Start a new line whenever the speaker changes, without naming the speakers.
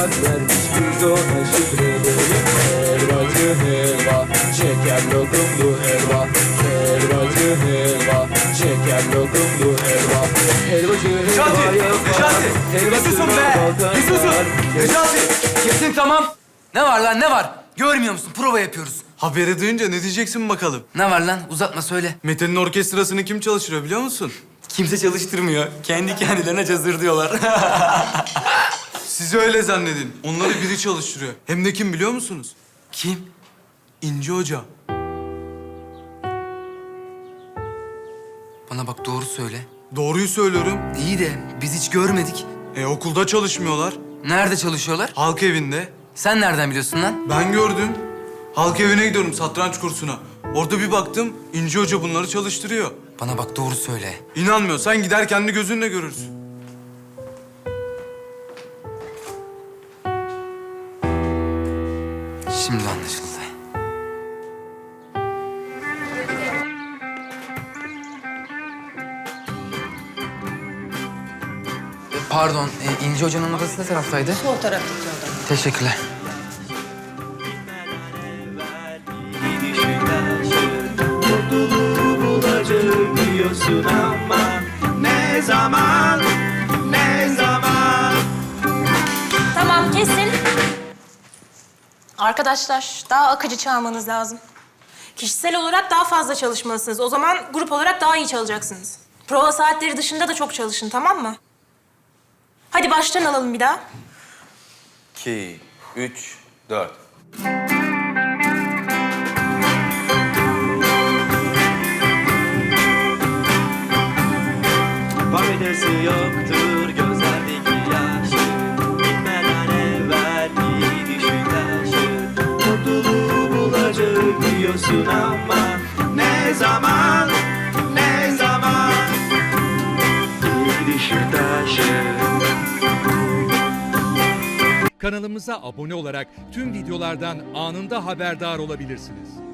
kart vermiş biz ona şifreleri. Helvacı helva, şeker lokumlu helva. Helvacı helva, şeker lokumlu helva. Helvacı helva yapar.
Bir susun be! Bir susun! Necati! Kesin tamam. Ne var lan ne var? Görmüyor musun? Prova yapıyoruz.
Haberi duyunca ne diyeceksin bakalım?
Ne var lan? Uzatma söyle.
Mete'nin orkestrasını kim çalıştırıyor biliyor musun?
Kimse çalıştırmıyor. Kendi kendilerine cazır diyorlar.
Siz öyle zannedin. Onları biri çalıştırıyor. Hem de kim biliyor musunuz?
Kim?
İnci Hoca.
Bana bak doğru söyle.
Doğruyu söylüyorum.
İyi de biz hiç görmedik.
Okulda çalışmıyorlar.
Nerede çalışıyorlar?
Halk evinde.
Sen nereden biliyorsun lan?
Ben gördüm. Halk evine gidiyorum satranç kursuna. Orada bir baktım İnci Hoca bunları çalıştırıyor.
Bana bak doğru söyle.
İnanmıyorsan gider kendi gözünle görürsün.
Şimdi anlaşıldı. Pardon, İnci Hoca'nın odası ne taraftaydı?
Sol taraftaki oda.
Teşekkürler.
Mutluluğu bulacağım diyorsun ama ne zaman, ne zaman?
Tamam, kesin. Arkadaşlar, daha akıcı çalmanız lazım. Kişisel olarak daha fazla çalışmalısınız. O zaman grup olarak daha iyi çalacaksınız. Prova saatleri dışında da çok çalışın, tamam mı? Hadi baştan alalım bir daha.
2, 3, 4.
Faydası yoktur gözlerdeki yaşın. Gitmeden evvel bir düşün taşın. Mutluluğu bulacağım diyorsun ama ne zaman, ne zaman? Bir düşün taşın.
Kanalımıza abone olarak tüm videolardan anında haberdar olabilirsiniz.